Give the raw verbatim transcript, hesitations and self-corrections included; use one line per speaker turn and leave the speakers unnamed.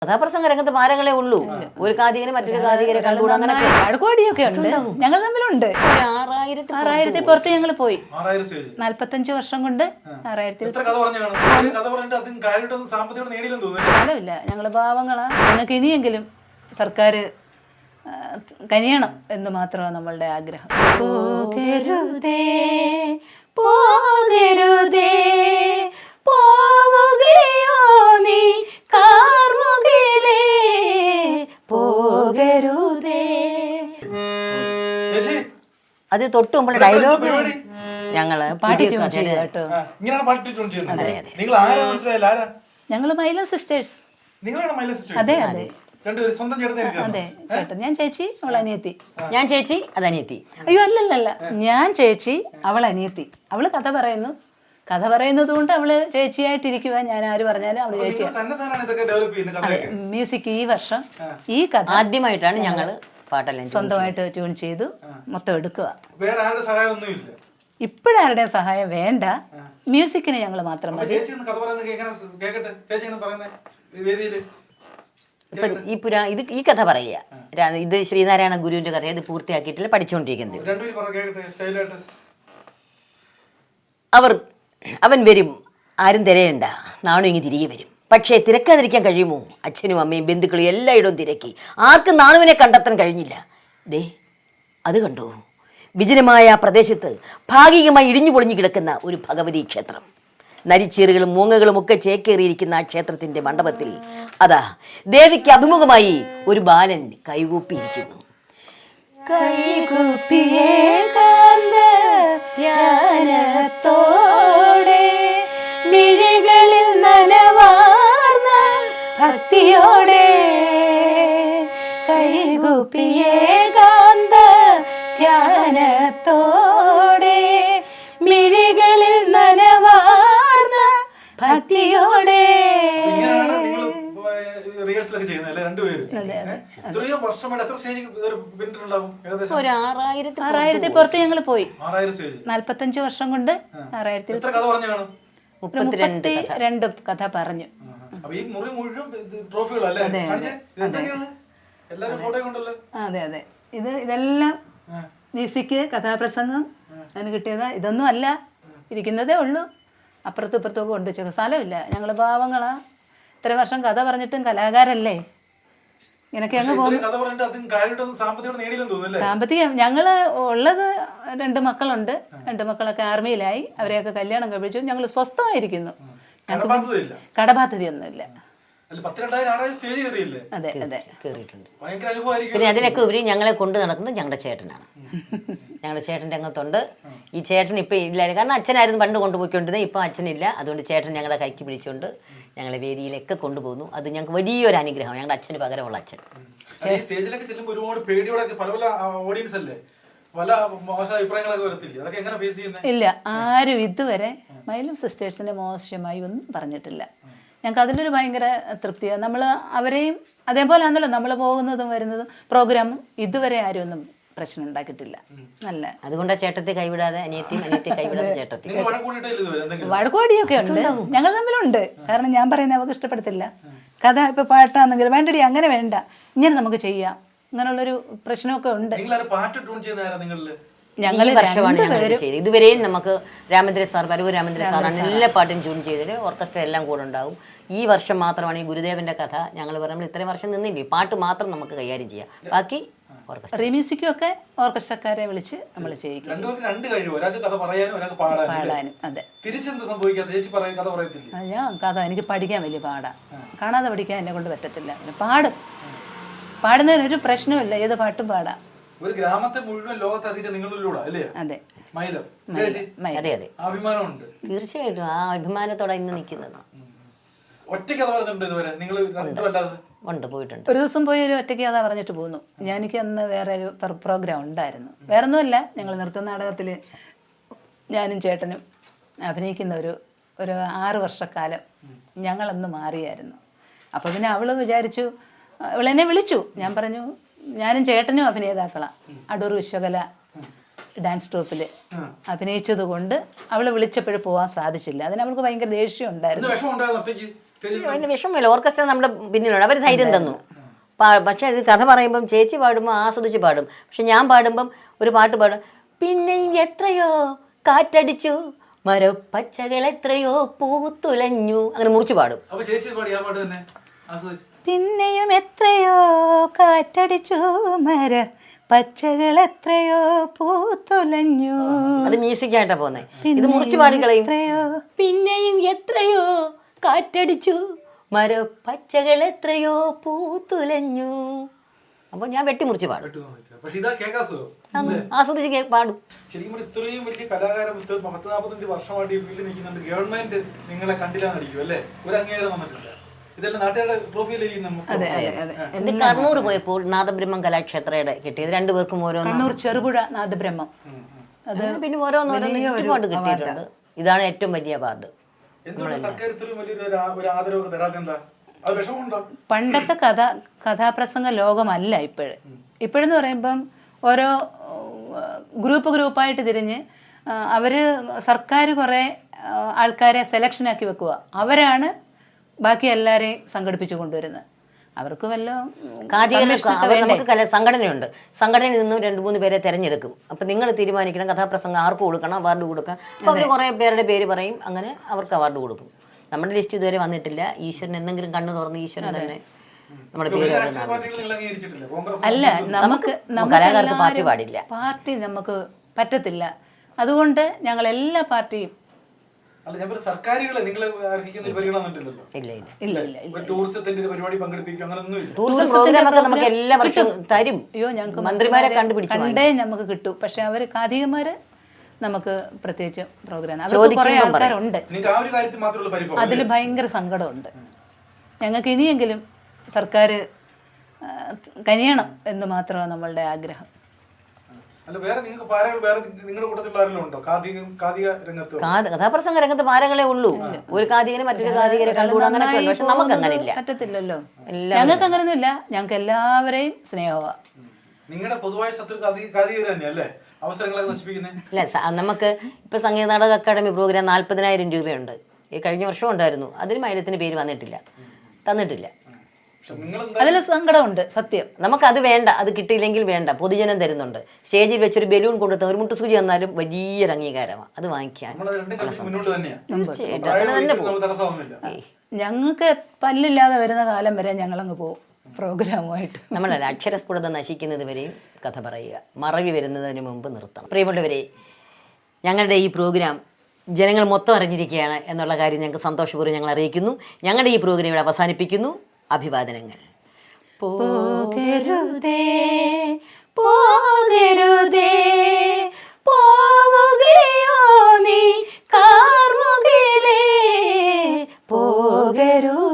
കഥാപ്രസംഗ രംഗത്ത് മാരങ്ങളെ ഉള്ളൂ. ഒരു കാതികനെ മറ്റൊരു കാതികരെ കണ്ടുകൂടാ. അങ്ങനെ
വഴക്കോടിയൊക്കെ ഉണ്ട്, ഞങ്ങൾ തമ്മിലുണ്ട്.
ആറായിരത്തി
ആറായിരത്തി പുറത്ത് ഞങ്ങൾ പോയി. നാല്പത്തഞ്ച് വർഷം കൊണ്ട് ആറായിരത്തി ഫലമില്ല. ഞങ്ങള് പാവങ്ങളാ. ഞങ്ങൾക്ക് ഇനിയെങ്കിലും സർക്കാർ കനിയണം എന്ന് മാത്രമാണ് നമ്മളുടെ ആഗ്രഹം. പോകരുതേ പോകരുതേ പോവുകയോ നീ കാർമുകിലേ പോകരുതേ.
അത് തൊട്ട് മുമ്പുള്ള ഡയലോഗ് ഞങ്ങള്
പാടി ട്യൂൺ ചെയ്തു കേട്ടോ. ഞങ്ങള് മൈലോ സിസ്റ്റേഴ്സ്. അതെ അതെ അതെ ചേട്ടൻ. ഞാൻ ചേച്ചി, അവൾ അനിയത്തി.
ഞാൻ ചേച്ചി, അത് അനിയത്തി.
അയ്യോ അല്ലല്ലല്ല, ഞാൻ ചേച്ചി, അവൾ അനിയത്തി. അവള് കഥ പറയുന്നു. കഥ പറയുന്നത് കൊണ്ട് അവള് ചേച്ചിയായിട്ടിരിക്കുക. ഞാൻ ആര് പറഞ്ഞാലും അവള് ചേച്ചി. മ്യൂസിക് ഈ വർഷം ഈ കഥ
ആദ്യമായിട്ടാണ് ഞങ്ങള് പാട്ടെല്ലാം
സ്വന്തമായിട്ട് ട്യൂൺ ചെയ്തു മൊത്തം എടുക്കുക. ഇപ്പോഴാരുടെയും സഹായം വേണ്ട. മ്യൂസിക്കിന് ഞങ്ങൾ മാത്രം മതി.
ഇപ്പൊ ഈ പുരാ ഇത് ഈ കഥ പറയുക. ഇത് ശ്രീനാരായണ ഗുരുവിന്റെ കഥ. ഇത് പൂർത്തിയാക്കിയിട്ടില്ല, പഠിച്ചുകൊണ്ടിരിക്കുന്നത്. അവർ അവൻ വരും, ആരും തിരയണ്ട, നാണു ഇങ്ങ് തിരികെ വരും. പക്ഷേ തിരക്കാതിരിക്കാൻ കഴിയുമോ? അച്ഛനും അമ്മയും ബന്ധുക്കളും എല്ലായിടവും തിരക്കി, ആർക്കും നാണുവിനെ കണ്ടെത്താൻ കഴിഞ്ഞില്ല. ദേ അത് കണ്ടോ, വിജനമായ പ്രദേശത്ത് ഭാഗികമായി ഇടിഞ്ഞു പൊളിഞ്ഞു കിടക്കുന്ന ഒരു ഭഗവതി ക്ഷേത്രം. നരിച്ചീറുകളും മൂങ്ങകളും ഒക്കെ ചേക്കേറിയിരിക്കുന്ന ആ ക്ഷേത്രത്തിന്റെ മണ്ഡപത്തിൽ അതാ ദേവിക്ക് അഭിമുഖമായി ഒരു ബാലൻ കൈകൂപ്പിയിരിക്കുന്നു.
കൈകൂപ്പിയേകാന്തോടെ മിഴികളിൽ നനവാർന്ന ഭക്തിയോടെ കൈകൂപ്പിയേകാന്ത ധ്യാനത്തോടെ മിഴികളിൽ നനവാർന്ന ഭക്തിയോടെ.
ഒരു ആറായിരത്തി
ആറായിരത്തി പുറത്ത് ഞങ്ങൾ പോയി. നാല്പത്തഞ്ച് വർഷം കൊണ്ട് ആറായിരത്തി മുപ്പത്തി രണ്ട് കഥ പറഞ്ഞു. അതെ അതെ ഇത് ഇതെല്ലാം മ്യൂസിക്, കഥാപ്രസംഗം അതിന് കിട്ടിയതാ. ഇതൊന്നും അല്ല, ഇരിക്കുന്നതേ ഉള്ളൂ. അപ്പുറത്തും ഇപ്പുറത്തൊക്കെ കൊണ്ടുവച്ചു. സ്ഥലമില്ല. ഞങ്ങൾ പാവങ്ങളാ. ഇത്ര വർഷം കഥ പറഞ്ഞിട്ടും കലാകാരല്ലേ. ഇങ്ങനൊക്കെ അങ്ങ് പോകും. സാമ്പത്തികം ഞങ്ങള് ഉള്ളത് രണ്ട് മക്കളുണ്ട്. രണ്ട് മക്കളൊക്കെ ആർമിയിലായി. അവരെയൊക്കെ കല്യാണം കഴിപ്പിച്ചു. ഞങ്ങൾ സ്വസ്ഥമായിരിക്കുന്നു. കടബാധ്യതയൊന്നുമില്ല. അതെ അതെ
കയറിയിട്ടുണ്ട്. പിന്നെ അതിനൊക്കെ ഉപരി ഞങ്ങളെ കൊണ്ട് നടക്കുന്നത് ഞങ്ങളുടെ ചേട്ടനാണ്. ഞങ്ങളുടെ ചേട്ടൻ രംഗത്തുണ്ട്. ഈ ചേട്ടൻ ഇപ്പം ഇല്ലായിരുന്നു. കാരണം അച്ഛനായിരുന്നു പണ്ട് കൊണ്ടുപോയിക്കൊണ്ടിരുന്നത്. ഇപ്പം അച്ഛനില്ല. അതുകൊണ്ട് ചേട്ടൻ ഞങ്ങളുടെ കൈക്ക് പിടിച്ചുകൊണ്ട് ഞങ്ങളെ വേദിയിലൊക്കെ കൊണ്ടുപോകുന്നു. അത് ഞങ്ങൾക്ക് വലിയൊരു അനുഗ്രഹം. ഞങ്ങളുടെ അച്ഛന് പകരമുള്ള അച്ഛൻ.
സ്റ്റേജിലൊക്കെ ചെല്ലുമ്പോൾ ഒരുപാട് പേടിയോടെ പല പല ഓഡിയൻസ് അല്ലേ, പല മോശം അഭിപ്രായങ്ങളൊക്കെ വരത്തില്ല. അതൊക്കെ എങ്ങനെ ഫേസ് ചെയ്യുന്നത്?
ഇല്ല, ആരും ഇതുവരെ മൈലം സിസ്റ്റേഴ്സിനെ മോശമായി ഒന്നും പറഞ്ഞിട്ടില്ല. ഞങ്ങൾക്ക് അതിൻ്റെ ഒരു ഭയങ്കര തൃപ്തിയാണ്. നമ്മൾ അവരെയും അതേപോലെ ആണല്ലോ നമ്മൾ പോകുന്നതും വരുന്നതും പ്രോഗ്രാമും. ഇതുവരെ ആരും ഒന്നും പ്രശ്നം ഉണ്ടാക്കിയിട്ടില്ല. നല്ല
അതുകൊണ്ടാണ് ചേട്ടത്തെ കൈവിടാതെ അനിയത്തിയും അനിയത്തെ കൈവിടാതെ ചേട്ടത്തി.
വഴക്കോടിയൊക്കെ ഉണ്ട്, ഞങ്ങൾ തമ്മിലുണ്ട്. കാരണം ഞാൻ പറയുന്നത് അവർക്ക് ഇഷ്ടപ്പെടത്തില്ല. കഥ ഇപ്പൊ പാട്ടാണെങ്കിൽ വേണ്ടടി, അങ്ങനെ വേണ്ട, ഇങ്ങനെ നമുക്ക് ചെയ്യാം, അങ്ങനെയുള്ളൊരു പ്രശ്നമൊക്കെ ഉണ്ട്.
ഞങ്ങൾ വർഷമാണ് ഞങ്ങൾ ചെയ്തത്. ഇതുവരെയും നമുക്ക് രാമേന്ദ്ര സാർ, പരവൂർ രാമേന്ദ്ര സാറാണ് എല്ലാ പാട്ടും ട്യൂൺ ചെയ്തത്. ഓർക്കസ്ട്ര എല്ലാം കൂടെ ഉണ്ടാവും. ഈ വർഷം മാത്രമാണ് ഈ ഗുരുദേവന്റെ കഥ ഞങ്ങൾ പറയുമ്പോൾ ഇത്രയും വർഷം നിന്നില്ലേ, പാട്ട് മാത്രം നമുക്ക് കൈകാര്യം ചെയ്യാം. ബാക്കി
റീമ്യൂസിക്കും ഒക്കെ ഓർക്കസ്ട്രക്കാരെ വിളിച്ച് നമ്മൾ ചെയ്യിക്കും. പാടാനും. അതെ ഞാൻ കഥ എനിക്ക് പഠിക്കാൻ വലിയ പാടാ. കാണാതെ പഠിക്കാൻ എന്നെ കൊണ്ട് പറ്റത്തില്ല. പാടും. പാടുന്നതിന് ഒരു പ്രശ്നമില്ല, ഏത് പാട്ടും പാടാം.
ഒരു ഗ്രാമത്തെ മുഴുവൻ ലോകത്തറിയിച്ച നിങ്ങളിലൂടെ അല്ലേ?
അതെ
മൈലം.
അതെ അതെ
അഭിമാനമുണ്ട്.
തീർച്ചയായിട്ടും ആ അഭിമാനത്തോടെ ഇന്ന് നിൽക്കുന്നത്.
ഒറ്റയ്ക്ക് കഥ പറഞ്ഞിട്ടുണ്ട് ഇതുവരെ നിങ്ങൾ?
ഉണ്ട്, പോയിട്ടുണ്ട്.
ഒരു ദിവസം പോയി ഒരു ഒറ്റയ്ക്ക് കഥ പറഞ്ഞിട്ട് പോന്നു. ഞാൻ എനിക്ക് അന്ന് വേറെ ഒരു പ്രോഗ്രാം ഉണ്ടായിരുന്നു. വേറെ ഒന്നുമല്ല, ഞങ്ങൾ നൃത്ത നാടകത്തിൽ ഞാനും ചേട്ടനും അഭിനയിക്കുന്ന ഒരു ഒരു ആറ് വർഷക്കാലം ഞങ്ങളന്ന് മാറിയായിരുന്നു. അപ്പോൾ പിന്നെ അവള് വിചാരിച്ചു, അവളെന്നെ വിളിച്ചു. ഞാൻ പറഞ്ഞു ഞാനും ചേട്ടനും അഭിനേതാക്കളാണ്. അടൂർ വിശ്വകല ഡാൻസ് ട്രൂപ്പിൽ അഭിനയിച്ചത് കൊണ്ട് അവള് വിളിച്ചപ്പോഴും പോകാൻ സാധിച്ചില്ല. അതിന് അവൾക്ക് ഭയങ്കര ദേഷ്യം ഉണ്ടായിരുന്നു.
അതിന് വിഷമമില്ല, ഓർക്കസ്ട്ര നമ്മുടെ പിന്നിലുണ്ട്, അവർ ധൈര്യം തന്നു. പാ- പക്ഷെ ഇത് കഥ പറയുമ്പം ചേച്ചി പാടുമ്പോൾ ആസ്വദിച്ച് പാടും, പക്ഷെ ഞാൻ പാടുമ്പം ഒരു പാട്ട് പാടും, പിന്നെയും എത്രയോ കാറ്റടിച്ചു മരപ്പച്ചകൾ എത്രയോ പൂത്തുലഞ്ഞു, അങ്ങനെ മുറിച്ച് പാടും.
അപ്പൊ ചേച്ചി പാടി ആ പാട്ട് തന്നെ ആസ്വദിച്ചു.
പിന്നെയും എത്രയോ കാറ്റടിച്ചു മര പച്ചകൾ എത്രയോ പൂത്തുലഞ്ഞു.
അത് മ്യൂസിക്കായിട്ടാ പോന്നെ, ഇത് മുറിച്ച് പാടിക്കളയും.
എത്രയോ
പിന്നെയും എത്രയോ കാറ്റടിച്ചു മരപ്പച്ചകൾ എത്രയോ പൂത്തുലഞ്ഞു. അപ്പൊ ഞാൻ വെട്ടിമുറിച്ച് പാടും,
കേട്ടു നോക്കിയത്. പക്ഷെ ഇതാ കേൾക്കാൻ സുഖം.
അന്ന് ആസ്വദിച്ച് കേ- പാടും.
ശരിക്കും പറഞ്ഞാൽ ഇത്രയും വലിയ കലാകാരൻ ഇത്ര പത്ത് നാൽപ്പത്തഞ്ച് വർഷമായിട്ട് ഈ ഫീൽഡിൽ നിൽക്കുന്നുണ്ട്. ഗവൺമെന്റ് നിങ്ങളെ കണ്ടില്ലാന്നടിക്കും അല്ലേ? ഒരു അംഗീകാരം വന്നിട്ടില്ല. ഇതെല്ലാം നാട്ടുകാരുടെ ട്രോഫിയിലിരിക്കും നമുക്ക്.
അതെ അതെ അതെ.
ഇത് കർണൂർ പോയപ്പോൾ നാദബ്രഹ്മം കലാക്ഷേത്രയുടെ കിട്ടിയത്, രണ്ടുപേർക്കും ഓരോന്ന്.
കണ്ണൂർ ചെറുപുഴ നാദബ്രഹ്മം. അത്
പിന്നെ ഓരോന്നോരോന്ന് ഒരുപാട് കിട്ടിയിട്ടുണ്ട്. ഇതാണ് ഏറ്റവും വലിയ അവാർഡ്.
എന്തുകൊണ്ട് സർക്കാർ ഇത്രയും വലിയൊരു ഒരു ആ- ഒരു ആദരവൊക്കെ തരാതെ എന്താ? അത് വിഷമമുണ്ടോ?
പണ്ടത്തെ കഥ കഥാപ്രസംഗ ലോകമല്ല ഇപ്പോഴ്. ഇപ്പോഴെന്ന് പറയുമ്പം ഓരോ ഗ്രൂപ്പ് ഗ്രൂപ്പായിട്ട് തിരിഞ്ഞ് അവർ സർക്കാർ കുറേ ആൾക്കാരെ സെലക്ഷനാക്കി വെക്കുക, അവരാണ് ബാക്കി എല്ലാവരെയും സംഘടിപ്പിച്ചു കൊണ്ടുവരുന്നത്. അവർക്ക് വല്ല
കാതികർക്ക് അവർ നമുക്ക് കല സംഘടനയുണ്ട്, സംഘടനയിൽ നിന്നും രണ്ട് മൂന്ന് പേരെ തിരഞ്ഞെടുക്കും. അപ്പം നിങ്ങൾ തീരുമാനിക്കണം കഥാപ്രസംഗം ആർക്ക് കൊടുക്കണം, അവാർഡ് കൊടുക്കാം. അപ്പോൾ അവർ കുറേ പേരുടെ പേര് പറയും, അങ്ങനെ അവർക്ക് അവാർഡ് കൊടുക്കും. നമ്മുടെ ലിസ്റ്റ് ഇതുവരെ വന്നിട്ടില്ല. ഈശ്വരൻ എന്തെങ്കിലും കണ്ണു തുറന്ന് ഈശ്വരൻ തന്നെ നമ്മുടെ പേര്
രാഷ്ട്രീയ
വരുന്നതാണ്.
പാർട്ടികൾ നിങ്ങൾ അംഗീകരിച്ചിട്ടില്ല. കോൺഗ്രസ്
അല്ല, നമുക്ക് നമുക്ക്
കലാകാർക്ക് പാർട്ടി
എല്ലാവരും
പാടില്ല.
പാർട്ടി നമുക്ക് പറ്റത്തില്ല. അതുകൊണ്ട് ഞങ്ങൾ എല്ലാ പാർട്ടിയും
അല്ല, ഞാൻ പറഞ്ഞ സർക്കാരുകളെ നിങ്ങൾ അർഹിക്കുന്ന ഒരു പരിഗണന വന്നിട്ടില്ലല്ലോ.
ഇല്ല ഇല്ല
ഇല്ല ഇല്ല ഇല്ല.
ഒരു ടൂറിസത്തിന്റെ ഒരു പരിപാടി പങ്കെടുപ്പിക്കുക അങ്ങനൊന്നും ഇല്ല.
ടൂറിസം പ്രോഗ്രാം ഒക്കെ നമുക്ക് എല്ലാ വർഷവും തരും.
അയ്യോ, ഞങ്ങൾക്ക്
മന്ത്രിമാരെ കണ്ടുപിടിച്ച്
കണ്ടേ നമുക്ക് കിട്ടും. പക്ഷെ അവർ കാതികമാര് നമുക്ക് പ്രത്യേകിച്ച് പ്രോഗ്രാം അവർക്ക്
ചോദിക്കുമ്പം
കുറെ ആൾക്കാരുണ്ട്.
നിങ്ങൾക്ക് ആ ഒരു കാര്യത്തിൽ മാത്രമുള്ള പരിഭവം.
അതിൽ ഭയങ്കര സങ്കടമുണ്ട്. ഞങ്ങൾക്ക് ഇനിയെങ്കിലും സർക്കാർ കനിയണം എന്ന് മാത്രമാണ് നമ്മളുടെ ആഗ്രഹം.
അല്ല, വേറെ നിങ്ങൾക്ക് പാരകൾ വേറെ നിങ്ങളുടെ കൂട്ടത്തിലുള്ള ആരെങ്കിലും ഉണ്ടോ? കാതിക കാതിക രംഗത്ത്
കാ- കഥാപ്രസംഗ രംഗത്ത് പാരകളെ ഉള്ളൂ. ഒരു കാതികനെ മറ്റൊരു കാതികരെ കണ്ടുകൂടാ, അങ്ങനെയൊക്കെ ഉണ്ട്. പക്ഷെ നമുക്ക് അങ്ങനെ ഇല്ല.
പറ്റത്തില്ലല്ലോ. ഞങ്ങൾക്ക് അങ്ങനെയൊന്നും ഇല്ല. ഞങ്ങൾക്ക് എല്ലാവരെയും സ്നേഹമാണ്.
നിങ്ങളുടെ പൊതുവായ ശത്രു കാതി കാതികർ തന്നെയല്ലേ അവസരങ്ങളൊക്കെ നശിപ്പിക്കുന്നത്?
ഇല്ല, സ- നമുക്ക് ഇപ്പൊ സംഗീത നാടക അക്കാദമി പ്രോഗ്രാം നാല്പതിനായിരം രൂപയുണ്ട്. ഈ കഴിഞ്ഞ വർഷം ഉണ്ടായിരുന്നു. അതിന് മൈലത്തിന് പേര് വന്നിട്ടില്ല, തന്നിട്ടില്ല.
പക്ഷെ നിങ്ങൾ
അതിൽ സങ്കടമുണ്ട്, സത്യം.
നമുക്കത് വേണ്ട, അത് കിട്ടിയില്ലെങ്കിൽ വേണ്ട. പൊതുജനം തരുന്നുണ്ട്. സ്റ്റേജിൽ വെച്ചൊരു ബലൂൺ കൊണ്ടുത്ത ഒരു മുട്ടുസൂചി തന്നാലും വലിയൊരു അംഗീകാരമാണ്. അത് വാങ്ങിക്കാൻ
നമ്മൾ രണ്ടും കളിച്ച് മുന്നോട്ട് തന്നെയാണ്.
തീർച്ചയായിട്ടും അങ്ങനെ തന്നെ പോകും.
നമ്മൾ തടസ്സമൊന്നുമില്ല.
ഞങ്ങൾക്ക് പല്ലില്ലാതെ വരുന്ന കാലം വരെ ഞങ്ങളങ്ങ് പോകും പ്രോഗ്രാമുമായിട്ട്.
നമ്മളല്ല, അക്ഷരസ്ഫുടത നശിക്കുന്നത് വരെയും കഥ പറയുക, മറവി വരുന്നതിന് മുമ്പ് നിർത്തണം. പ്രിയമുള്ളവരെ, ഞങ്ങളുടെ ഈ പ്രോഗ്രാം ജനങ്ങൾ മൊത്തം അറിഞ്ഞിരിക്കുകയാണ് എന്നുള്ള കാര്യം ഞങ്ങൾക്ക് സന്തോഷപൂർവ്വം ഞങ്ങൾ അറിയിക്കുന്നു. ഞങ്ങളുടെ ഈ പ്രോഗ്രാം ഇവിടെ അവസാനിപ്പിക്കുന്നു. അഭിവാദനങ്ങൾ.
പോകരുതേ പോകരുതേ പോവുകയോ നീ കാർമുകിലേ പോകരുതേ.